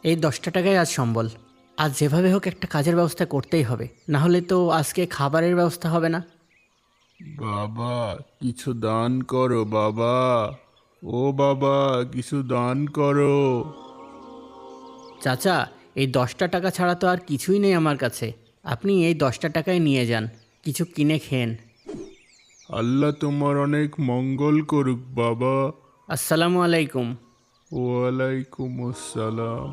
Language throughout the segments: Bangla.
এই 10টা টাকায় আজ সম্বল। আজ যেভাবে হোক একটা কাজের ব্যবস্থা করতেই হবে, না হলে তো আজকে খাবারের ব্যবস্থা হবে না। বাবা, কিছু দান করো বাবা। ও বাবা, কিছু দান করো। চাচা, এই 10টা টাকা ছাড়া তো আর কিছুই নেই আমার কাছে। আপনি এই 10টা টাকায় নিয়ে যান, কিছু কিনে খেন। আল্লাহ তোমার অনেক মঙ্গল করুক বাবা। আসসালামু আলাইকুম। ওয়ালাইকুম আসসালাম।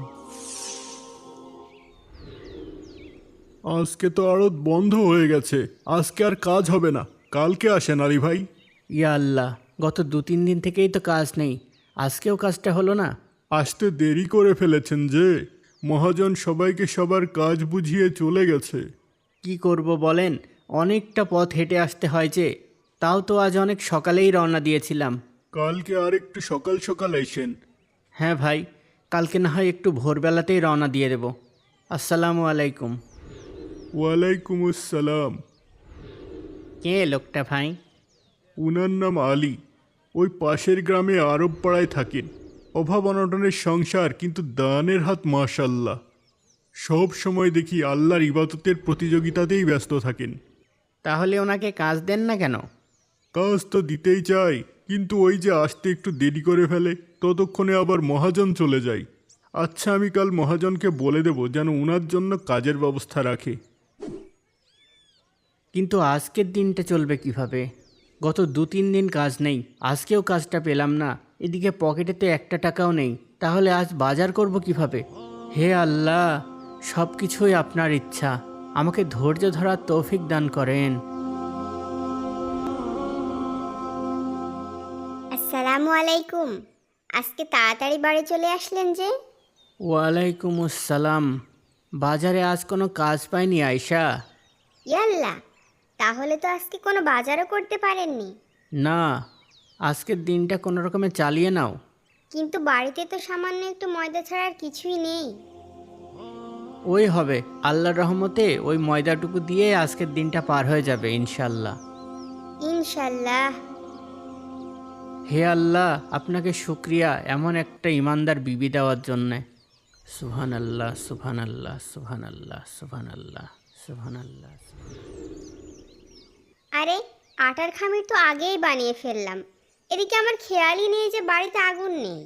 আজকে তো আড়ত বন্ধ হয়ে গেছে, আজকে আর কাজ হবে না। কালকে আসেন আলী ভাই। ইয়া আল্লাহ, গত 2-3 দিন থেকেই তো কাজ নেই, আজকেও কাজটা হলো না। আসতে দেরি করে ফেলেছেন যে, মহাজন সবাইকে সবার কাজ বুঝিয়ে চলে গেছে। কি করব বলেন, অনেকটা পথ হেঁটে আসতে হয় যে। তাও তো আজ অনেক সকালেই রওনা দিয়েছিলাম। কালকে আর একটু সকাল সকাল এসেন। হ্যাঁ ভাই, কালকে না হয় একটু ভোরবেলাতেই রওনা দিয়ে দেব। আসসালামু আলাইকুম। ওয়ালাইকুম আসসালাম। কে লোকটা ভাই? উনার নাম আলী। ওই পাশের গ্রামে আরব পাড়ায় থাকেন। অভাব অনটনের সংসার, কিন্তু দানের হাত মাশাল্লাহ। সব সময় দেখি আল্লাহর ইবাদতের প্রতিযোগিতাতেই ব্যস্ত থাকেন। তাহলে ওনাকে কাজ দেন না কেন? কাজ তো দিতেই চাই, কিন্তু ওই যে আসতে একটু দেরি করে ফেলে, ততক্ষণে আবার মহাজন চলে যায়। আচ্ছা, আমি কাল মহাজনকে বলে দেব যেন উনার জন্য কাজের ব্যবস্থা রাখে। কিন্তু আজকের দিনটা চলবে কিভাবে? গত 2-3 দিন কাজ নেই, আজকেও কাজটা পেলাম না। এদিকে পকেটে তো একটা টাকাও নেই, তাহলে আজ বাজার করব কিভাবে? হে আল্লাহ, সব কিছুই আপনার ইচ্ছা, আমাকে ধৈর্য ধরার তৌফিক দান করেন। আসসালামু আলাইকুম। আজকে তাড়াতাড়ি বাড়ি চলে আসলেন যে? ওয়ালাইকুম আসসালাম। বাজারে আজ কোনো কাজ পাইনি আয়শা। ইয়াল্লা, তাহলে তো আজকে কোনো বাজারও করতে পারেননি। না, আজকের দিনটা কোনো রকমে চালিয়ে নাও। কিন্তু বাড়িতে তো সামান্য একটু ময়দা ছাড়া আর কিছুই নেই। ওই হবে, আল্লাহর রহমতে ওই ময়দাটুকু দিয়ে আজকের দিনটা পার হয়ে যাবে ইনশাল্লাহ। ইনশাল্লাহ। হে আল্লাহ, আপনাকে শুক্রিয়া এমন একটা ইমানদার বিবি দেওয়ার জন্যে। সুবহান আল্লাহ, সুবহান আল্লাহ, সুবহান আল্লাহ, সুবহান আল্লাহ, সুবহান আল্লাহ। আরে, আটার খামির তো আগেই বানিয়ে ফেললাম। এদিকে আমার খেয়ালই নেই যে বাড়িতে আগুন নেই।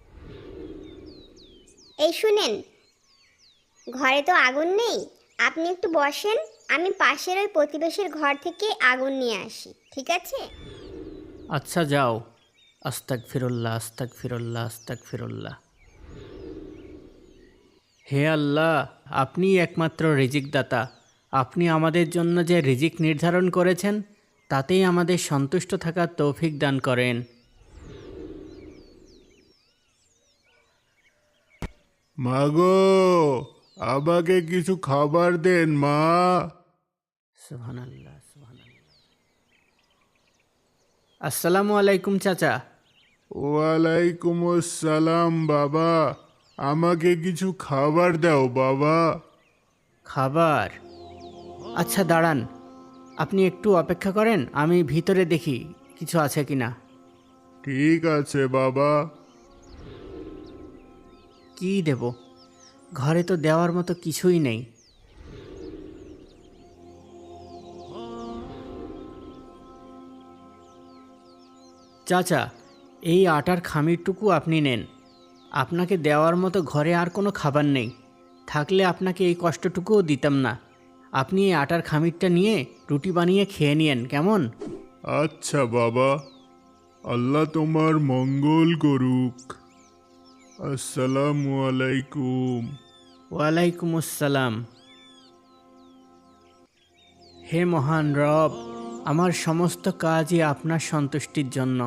এই শুনেন, ঘরে তো আগুন নেই, আপনি একটু বসেন, আমি পাশের ওই প্রতিবেশীর ঘর থেকে আগুন নিয়ে আসি, ঠিক আছে? আচ্ছা যাও। আস্তাক ফিরুল্লাহ, আস্তাক ফিরুল্লাহ, আস্তাক ফিরুল্লাহ। হে আল্লাহ, আপনিই একমাত্র রিজিক দাতা। আপনি আমাদের জন্য যে রিজিক নির্ধারণ করেছেন, তাতেই আমাদের সন্তুষ্ট থাকার তৌফিক দান করেন। মাগো, আমাকে কিছু খাবার দেন মা। সুবহানাল্লাহ, সুবহানাল্লাহ। আসসালামু আলাইকুম চাচা। ওয়ালাইকুম আসসালাম বাবা। আমাকে কিছু খাবার দাও বাবা। খাবার? আচ্ছা দাঁড়ান, আপনি একটু অপেক্ষা করেন, আমি ভিতরে দেখি কিছু আছে কিনা। ঠিক আছে বাবা। কি দেব? ঘরে তো দেওয়ার মতো কিছুই নেই। চাচা, এই আটার খামিরটুকু আপনি নেন। আপনাকে দেওয়ার মতো ঘরে আর কোনো খাবার নেই, থাকলে আপনাকে এই কষ্টটুকুও দিতাম না। আপনি এই আটার খামিরটা নিয়ে রুটি বানিয়ে খেয়ে নিয়েন, কেমন? আচ্ছা বাবা, আল্লাহ তোমার মঙ্গল করুক। আসসালামু আলাইকুম। ওয়ালাইকুম আসসালাম। হে মহান রব, আমার সমস্ত কাজই আপনার সন্তুষ্টির জন্য।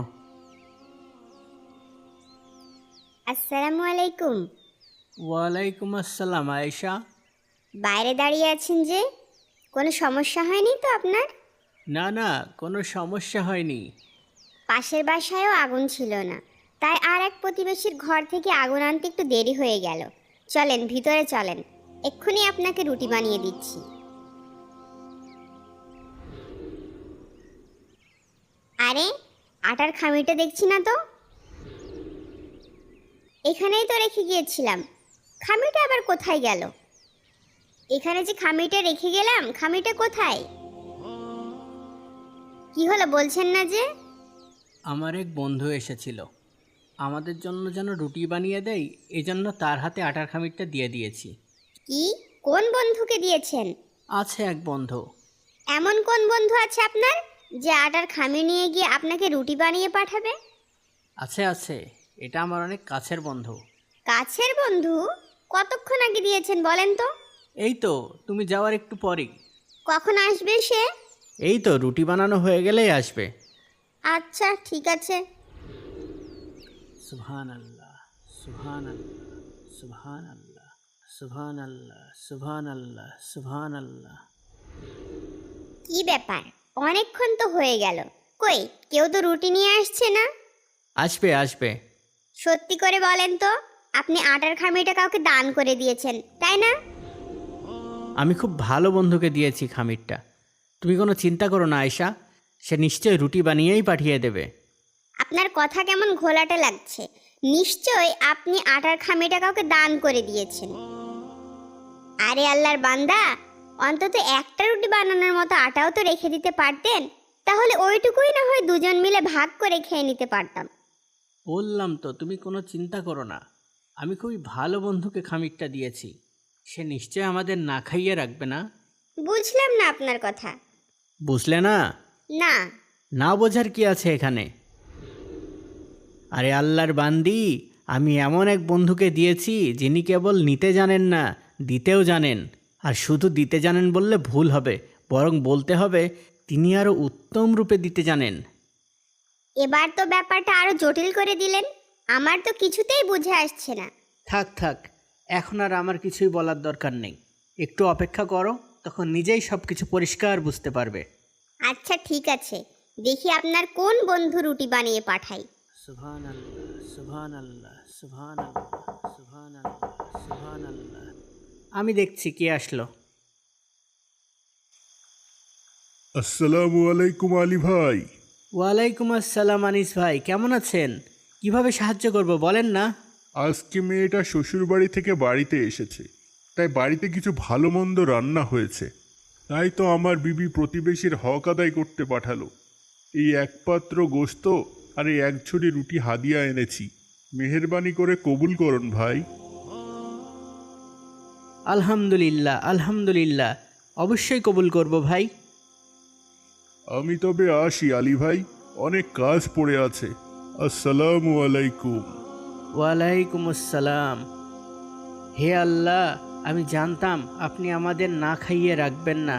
আসসালামু আলাইকুম। ওয়ালাইকুম আসসালাম আয়েশা। বাইরে দাঁড়িয়ে আছেন যে, কোনো সমস্যা হয়নি তো আপনার? না না, কোনো সমস্যা হয়নি। পাশের বাসায়ও আগুন ছিল না, তাই আর এক প্রতিবেশীর ঘর থেকে আগুন আনতে একটু দেরি হয়ে গেল। চলেন ভিতরে চলেন, এক্ষুনি আপনাকে রুটি বানিয়ে দিচ্ছি। আরে, আটার খামিরটা দেখছি না তো। এখানেই তো রেখে গিয়েছিলাম, খামিটা আবার কোথায় গেল? এখানে যে খামিটা রেখে গেলাম, খামিটা কোথায়? কি হলো বলছেন না যে? আমার এক বন্ধু এসেছিল, আমাদের জন্য যেন রুটি বানিয়ে দেয়, এজন্য তার হাতে আটার খামিরটা দিয়ে দিয়েছি। কি? কোন বন্ধুকে দিয়েছেন? আছে এক বন্ধু। এমন কোন বন্ধু আছে আপনার যে আটার খামি নিয়ে গিয়ে আপনাকে রুটি বানিয়ে পাঠাবে? আছে আছে, এটা আমার অনেক কাছের বন্ধু। কাছের বন্ধু? কতক্ষণ আগে দিয়েছেন বলেন তো? এই তো তুমি যাওয়ার একটু পরেই। কখন আসবে সে? এই তো রুটি বানানো হয়ে গেলেই আসবে। আচ্ছা ঠিক আছে। সুবহান আল্লাহ, সুবহান আল্লাহ, সুবহান আল্লাহ, সুবহান আল্লাহ, সুবহান আল্লাহ, সুবহান আল্লাহ। কি ব্যাপার, অনেকক্ষণ তো হয়ে গেল, কই কেউ তো রুটি নিয়ে আসছে না? আসবে আসবে। সত্যি করে বলেন তো, আপনি আটার খামিটা কাউকে দান করে দিয়েছেন তাই না? আমি খুব ভালো বন্ধুকে দিয়েছি খামিরটা, তুমি কোনো চিন্তা করো না আয়শা, সে নিশ্চয়ই রুটি বানিয়েই পাঠিয়ে দেবে। আপনার কথা কেমন ঘোলাটে লাগছে। নিশ্চয় আপনি আটার খামিটা কাউকে দান করে দিয়েছেন। আরে আল্লাহর বান্দা, অন্তত একটা রুটি বানানোর মতো আটাও তো রেখে দিতে পারতেন, তাহলে ওইটুকুই না হয় দুজন মিলে ভাগ করে খেয়ে নিতে পারতাম। বললাম তো তুমি কোনো চিন্তা করো না, আমি খুবই ভালো বন্ধুকে খামিরটা দিয়েছি, সে নিশ্চয় আমাদের না খাইয়ে রাখবে না। বুঝলাম না আপনার কথা। বুঝলে না? না। না বোঝার কি আছে এখানে? আরে আল্লাহর বান্দি, আমি এমন এক বন্ধুকে দিয়েছি যিনি কেবল নিতে জানেন না, দিতেও জানেন। আর শুধু দিতে জানেন বললে ভুল হবে, বরং বলতে হবে তিনি আরও উত্তম রূপে দিতে জানেন। এবার তো ব্যাপারটা আরো জটিল করে দিলেন, আমার তো কিছুতেই বুঝে আসছে না। থাক থাক, এখন আর আমার কিছুই বলার দরকার নেই, একটু অপেক্ষা করো, তখন নিজেই সব কিছু পরিষ্কার বুঝতে পারবে। আচ্ছা ঠিক আছে, দেখি আপনার কোন বন্ধু রুটি বানিয়ে পাঠাই। সুবহান আল্লাহ, সুবহান আল্লাহ, সুবহান আল্লাহ, সুবহান আল্লাহ, সুবহান আল্লাহ। আমি দেখছি কে আসলো। আসসালামু আলাইকুম আলী ভাই। ওয়ালাইকুম আসসালাম আনিস ভাই, কেমন আছেন? কিভাবে সাহায্য করব বলেন না? আজকে মেয়েটা শ্বশুরবাড়ি থেকে বাড়িতে এসেছে, তাই বাড়িতে কিছু ভালো মন্দ রান্না হয়েছে, তাই তো আমার বিবি প্রতিবেশীর হক আদায় করতে পাঠালো। এই এক পাত্র গোশত আর এই এক ঝুড়ি রুটি হাদিয়া এনেছি, মেহেরবানি করে কবুল করুন ভাই। আলহামদুলিল্লাহ আলহামদুলিল্লাহ, অবশ্যই কবুল করব ভাই। আমি তবে আসি আলী ভাই, অনেক কাজ পড়ে আছে। আসসালামু আলাইকুম। ওয়ালাইকুম আসসালাম। হে আল্লাহ, আমি জানতাম আপনি আমাদের না খাইয়ে রাখবেন না।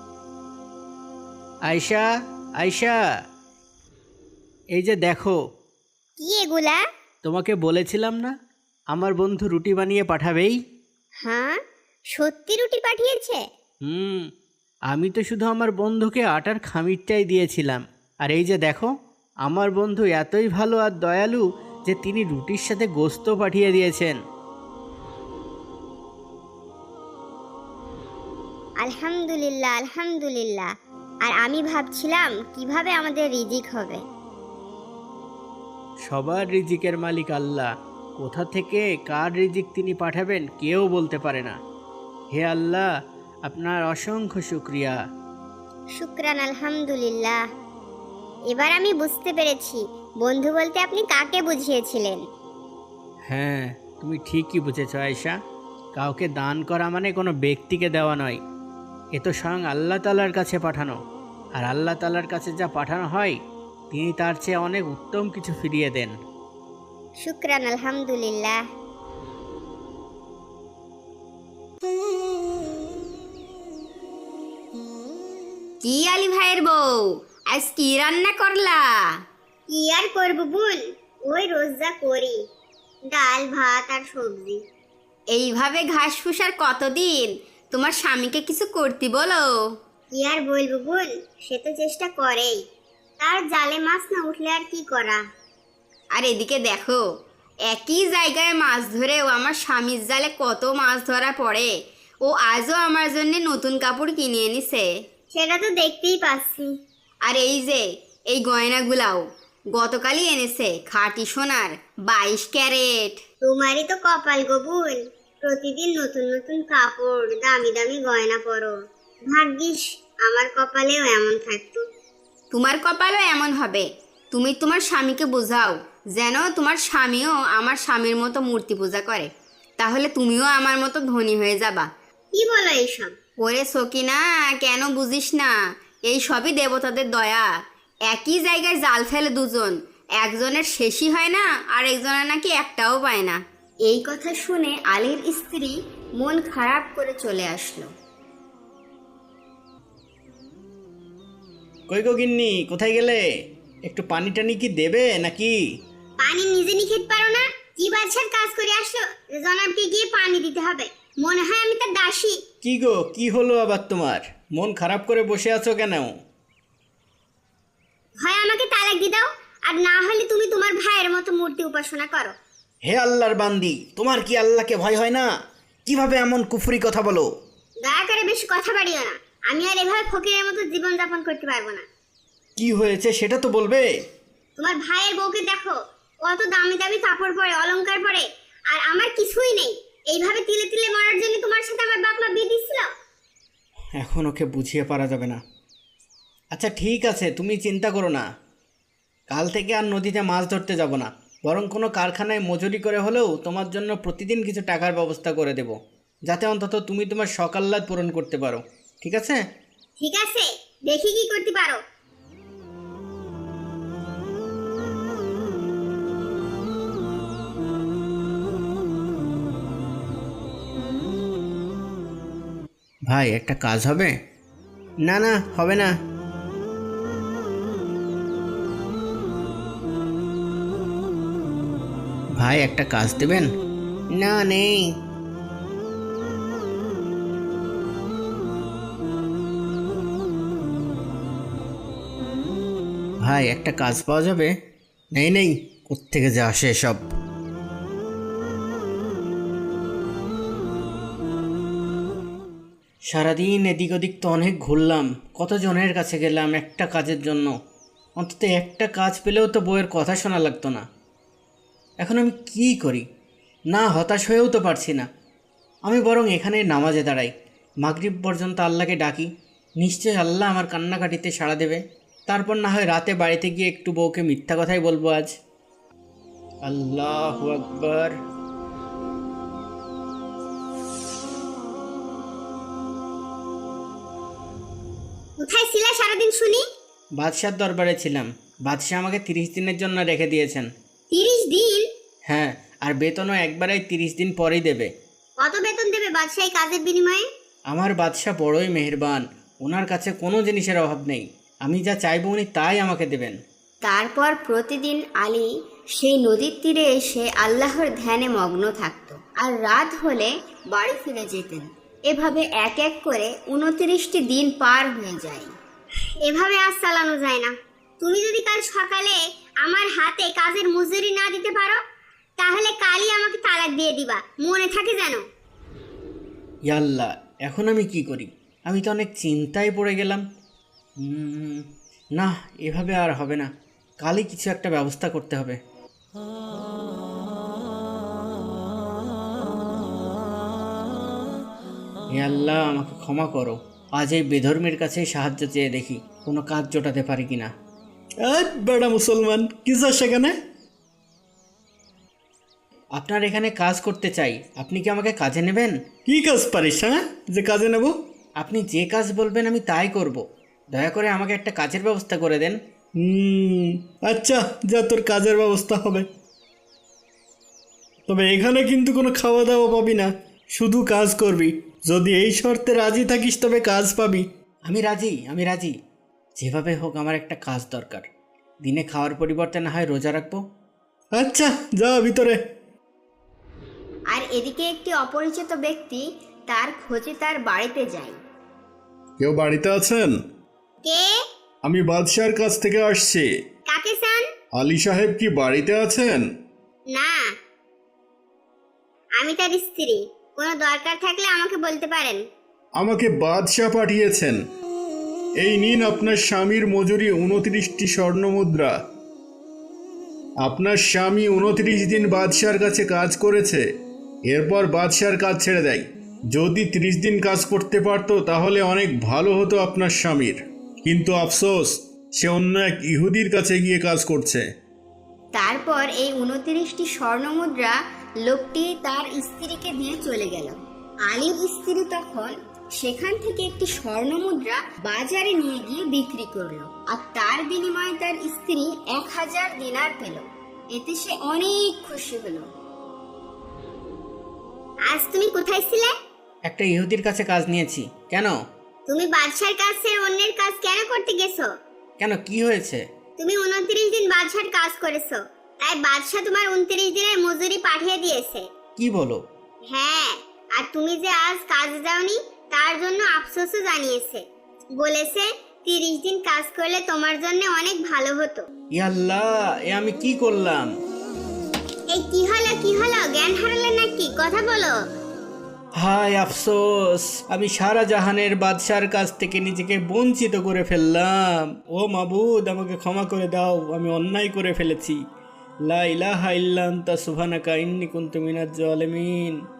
আয়শা, আয়শা, এই যে দেখো। কি এগুলা? তোমাকে বলেছিলাম না আমার বন্ধু রুটি বানিয়ে পাঠাবেই? হ্যাঁ, সত্যি রুটি পাঠিয়েছে? আমি তো শুধু আমার বন্ধুকে আটার খামিরটাই দিয়েছিলাম, আর এই যে দেখো, আমার বন্ধু এতই ভালো আর দয়ালু যে তিনি রুটির সাথে গোশত পাঠিয়ে দিয়েছেন। আলহামদুলিল্লাহ আলহামদুলিল্লাহ। আর আমি ভাবছিলাম কিভাবে আমাদের রিজিক হবে। সবার রিজিকের মালিক আল্লাহ, কোথা থেকে কার রিজিক তিনি পাঠাবেন কেউ বলতে পারে না। হে আল্লাহ, আপনার অসংখ্য শুকরিয়া। শুকরান আলহামদুলিল্লাহ। এবার আমি বুঝতে পেরেছি বন্ধু বলতে আপনি কাকে বুঝিয়েছিলেন। হ্যাঁ, তুমি ঠিকই বুঝেছ আয়েশা, কাউকে দান করা মানে কোনো ব্যক্তিকে দেওয়া নয়, এ তো স্বয়ং আল্লাহ তাআলার কাছে পাঠানো, আর আল্লাহ তাআলার কাছে যা পাঠানো হয় তিনি তার চেয়ে অনেক উত্তম কিছু ফিরিয়ে দেন। শুকরান আলহামদুলিল্লাহ। কি আলী ভাইয়ের বউ, আজ কি রান্না করলা? কি আর করবো বোন, ওই রোজ যা করি, ডাল ভাত আর সবজি। এইভাবে ঘাস ফুসার কতদিন? তোমার স্বামীকে কিছু করতে বলো। কি আর বলবো বোন, সে তো চেষ্টা করেই, তার জালে মাছ না উঠলে আর কি করা। আর এদিকে দেখো, একই জায়গায় মাছ ধরেও আমার স্বামীর জালে কত মাছ ধরা পড়ে। ও আজও আমার জন্য নতুন কাপড় কিনে এনেছে। সেটা তো দেখতেই পাচ্ছি। আর এই যে এই গয়নাগুলাও গতকালই এনেছে, খাঁটি সোনার 22 ক্যারেট। তোমারই তো কপাল গো বোন, প্রতিদিন নতুন নতুন কাপড়, দামি দামি গয়না পরো। ভাগ্যিস আমার কপালেও এমন থাকতো। তোমার কপালও এমন হবে। তুমি তোমার স্বামীকে বোঝাও যেন তোমার স্বামীও আমার স্বামীর মতো মূর্তি পূজা করে, তাহলে তুমিও আমার মতো ধনী হয়ে যাবা। কি বলো এইসব? ওরে সকিনা, কেন বুঝিস না? এই সবই দেবতাদের দয়া। একই জায়গায় জাল ফেলে দুজন, একজনের শেষই হয় না আর একজনের নাকি একটাও পায় না। এই কথা শুনে আলীর স্ত্রী মন খারাপ করে চলে আসলো। কই গো গিন্নি, কোথায় গেলে? একটু পানি টানি কি দেবে নাকি? পানি নিজে নিয়ে খেতে পারো না? কি বাদশার কাজ করে আসলো যে জনাবকে গিয়ে পানি দিতে হবে? মনে হয় আমি তার দাসী। কি গো, কি হলো আবার তোমার? মন খারাপ করে বসে আছো কেন? হয় আমাকে তালাক দিয়ে দাও, আর না হলে তুমি তোমার ভাইয়ের মতো মূর্তি উপাসনা করো। হে আল্লাহর বান্দি, তোমার কি আল্লাহকে ভয় হয় না? কিভাবে এমন কুফরি কথা বলো? দয়া করে বেশি কথা বাড়িও না। আমি আর এভাবে ফকিরের মতো জীবন যাপন করতে পারবো না। কি হয়েছে সেটা তো বলবে। তোমার ভাইয়ের বউকে দেখো, কত দামি দামি কাপড় পরে, অলংকার পরে, আর আমার কিছুই নেই। এইভাবে তিলে তিলে মরার জন্য তোমার সাথে আমার বাপ মা বিয়ে দিছিল। এখন ওকে বুঝিয়ে পারা যাবে না। আচ্ছা ঠিক আছে, তুমি চিন্তা করো না। কাল থেকে আর নদীতে মাছ ধরতে যাব না, বরং কোনো কারখানায় মজুরি করে হলেও তোমার জন্য প্রতিদিন কিছু টাকার ব্যবস্থা করে দেব, যাতে অন্তত তুমি তোমার শখ আহ্লাদ পূরণ করতে পারো। ঠিক আছে? ঠিক আছে, দেখি কি করতে পারো। ভাই, একটা কাজ হবে? না না, হবে না। ভাই, একটা কাজ দেবেন? না, নেই। ভাই, একটা কাজ পাওয়া যাবে? নেই নেই, কোত্থেকে যে আসে সব। সারাদিন এদিক ওদিক তো অনেক ঘুরলাম, কতজনের কাছে গেলাম একটা কাজের জন্য। অন্তত একটা কাজ পেলেও তো বউয়ের কথা শোনা লাগতো না। এখন আমি কি করি? না, হতাশ হয়েও তো পারছি না। আমি বরং এখানে নামাজে দাঁড়াই, মাগরিব পর্যন্ত আল্লাহকে ডাকি। নিশ্চয়ই আল্লাহ আমার কান্নাকাটিতে সাড়া দেবে। তারপর না হয় রাতে বাড়িতে গিয়ে একটু বউকে মিথ্যা কথাই বলবো আজ। আল্লাহু আকবার। কোথায় ছিলা সারাদিন শুনি? বাদশার দরবারে ছিলাম। বাদশাহ আমাকে 30 দিনের জন্য রেখে দিয়েছেন। 30 দিন? হ্যাঁ, আর বেতনও একবারেই 30 দিন পরেই দেবে। কত বেতন দেবে বাদশাহ এই কাজের বিনিময়ে? আমার বাদশাহ বড়ই মেহেরবান, ওনার কাছে কোনো জিনিসের অভাব নেই। আমি যা চাইবো উনি তাই আমাকে দেবেন। তারপর প্রতিদিন আলী সেই নদীর তীরে এসে আল্লাহর ধ্যানে মগ্ন থাকত, আর রাত হলে বাড়ি ফিরে যেতেন। এভাবে এক এক করে 29টি দিন পার হয়ে যায়। এভাবে আজ চালানো যায় না। তুমি যদি কাল সকালে আমার হাতে কাজের মজুরি না দিতে পারো, তাহলে কালই আমাকে তালাক দিয়ে দিবা, মনে থাকে যেন। ইয়াল্লাহ, এখন আমি কি করি? আমি তো অনেক চিন্তায় পড়ে গেলাম। না, এভাবে আর হবে না। কালই কিছু একটা ব্যবস্থা করতে হবে। হে আল্লাহ, আমাকে ক্ষমা করো। আজ এই বেধর্মের কাছেই সাহায্য চেয়ে দেখি কোনো কাজ জোটাতে পারি কিনা। বেড়া মুসলমান, কি যা সেখানে? আপনার এখানে কাজ করতে চাই, আপনি কি আমাকে কাজে নেবেন? কি কাজ পারিস, হ্যাঁ, যে কাজে নেব? আপনি যে কাজ বলবেন আমি তাই করব। দয়া করে আমাকে একটা কাজের ব্যবস্থা করে দেন। আচ্ছা, যা, তোর কাজের ব্যবস্থা হবে। তবে এখানে কিন্তু কোনো খাওয়া দাওয়া পাবি না, শুধু কাজ করবি। যদি এই শর্তে রাজি থাকিস তবে কাজ পাবি। আমি রাজি, আমি রাজি। যেভাবে হোক আমার একটা কাজ দরকার। দিনে খাওয়ার পরিবর্তে না হয় রোজা রাখবো। আচ্ছা, যা ভিতরে। আর এদিকে একটি অপরিচিত ব্যক্তি তার খোঁজে তার বাড়িতে যায়। কেউ বাড়িতে আছেন? কে? আমি বাদশার কাছ থেকে আসছি। কাকে চান? আলী সাহেব কি বাড়িতে আছেন? না, আমি তার স্ত্রী। কোনো দরকার থাকলে আমাকে বলতে পারেন। আমাকে বাদশাহ পাঠিয়েছেন। এই নিন আপনার স্বামীর মজুরি 29টি স্বর্ণ মুদ্রা। আপনার স্বামী 29 দিন বাদশার কাছে কাজ করেছে, এরপর বাদশার কাজ ছেড়ে দেয়। যদি 30 দিন কাজ করতে পারতো তাহলে অনেক ভালো হতো আপনার স্বামীর, কিন্তু আফসোস সে অন্য এক ইহুদির কাছে গিয়ে কাজ করছে। তারপর এই 29টি স্বর্ণমুদ্রা লোকটি তার স্ত্রীকে দিয়ে চলে গেল। আলীর স্ত্রী তখন সেখান থেকে একটি স্বর্ণমুদ্রা বাজারে নিয়ে গিয়ে বিক্রি করলো, আর তার বিনিময়ে তার স্ত্রী 1000 দিনার পেল। এতে সে অনেক খুশি হলো। আজ তুমি কোথায় ছিলে? একটা ইহুদির কাছে কাজ নিয়েছি। কেন? তুমি বাদশার কাজ ছেড়ে অন্যের কাজ কেন করতে গেছো? কেন, কি হয়েছে? তুমি 29 দিন বাদশার কাজ করেছো, তাই বাদশা তোমার 29 দিনের মজুরি পাঠিয়ে দিয়েছে। কি বলো? হ্যাঁ, আর তুমি যে আজ কাজে যাওনি তার জন্য আফসোসও জানিয়েছে। বলেছে 30 দিন কাজ করলে তোমার জন্য অনেক ভালো হতো। ইয়াল্লাহ, এ আমি কি করলাম? এই কি হলো জ্ঞান হারালে নাকি? কথা বলো। হায় আফসোস, আমি সারা জাহানের বাদশার কাছ থেকে নিজেকে বঞ্চিত করে ফেললাম। ও মাবুদ, আমাকে ক্ষমা করে দাও, আমি অন্যায় করে ফেলেছি। লা ইলাহা ইল্লা আনতা সুবহানাকা ইন্নী কুনতু মিনাজ জালিমিন।